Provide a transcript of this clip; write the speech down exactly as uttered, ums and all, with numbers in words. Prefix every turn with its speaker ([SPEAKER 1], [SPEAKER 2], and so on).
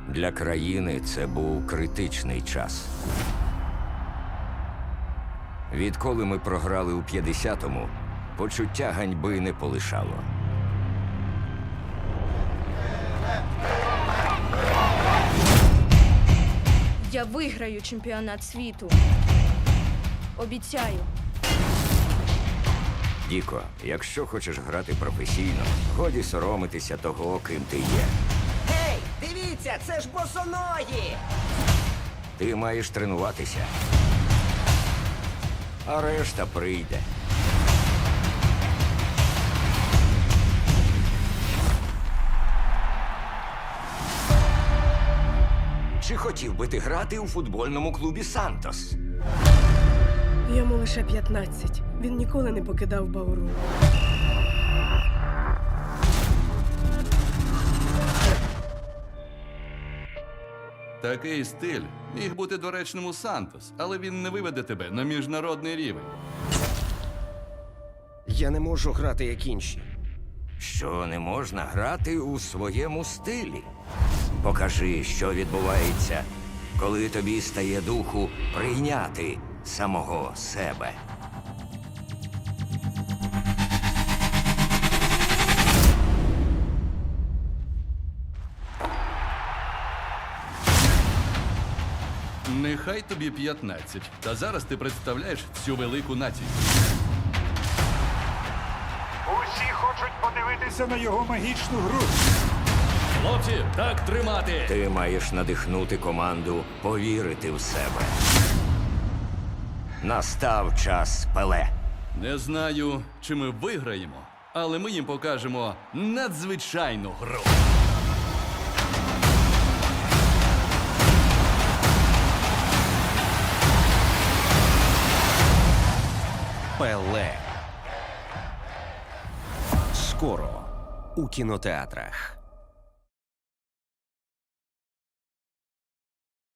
[SPEAKER 1] Для країни це був критичний час. Відколи ми програли у п'ятдесятому, почуття ганьби не полишало.
[SPEAKER 2] Я виграю чемпіонат світу. Обіцяю.
[SPEAKER 1] Діко, якщо хочеш грати професійно, годі соромитися того, ким ти є.
[SPEAKER 3] Гей, дивіться, це ж босоногі!
[SPEAKER 1] Ти маєш тренуватися. А решта прийде. Чи хотів би ти грати у футбольному клубі «Сантос»?
[SPEAKER 4] Йому лише п'ятнадцять. Він ніколи не покидав Бауру.
[SPEAKER 5] Такий стиль міг бути доречним у Сантос, але він не виведе тебе на міжнародний рівень.
[SPEAKER 3] Я не можу грати, як інші.
[SPEAKER 1] Що не можна грати у своєму стилі? Покажи, що відбувається, коли тобі стає духу прийняти самого себе.
[SPEAKER 5] Нехай тобі п'ятнадцять, та зараз ти представляєш всю велику націю.
[SPEAKER 6] Усі хочуть подивитися на його магічну гру.
[SPEAKER 5] Хлопці, так тримати!
[SPEAKER 1] Ти маєш надихнути команду повірити в себе. Настав час Пеле.
[SPEAKER 5] Не знаю, чи ми виграємо, але ми їм покажемо надзвичайну гру.
[SPEAKER 3] Пеле. Скоро у кінотеатрах.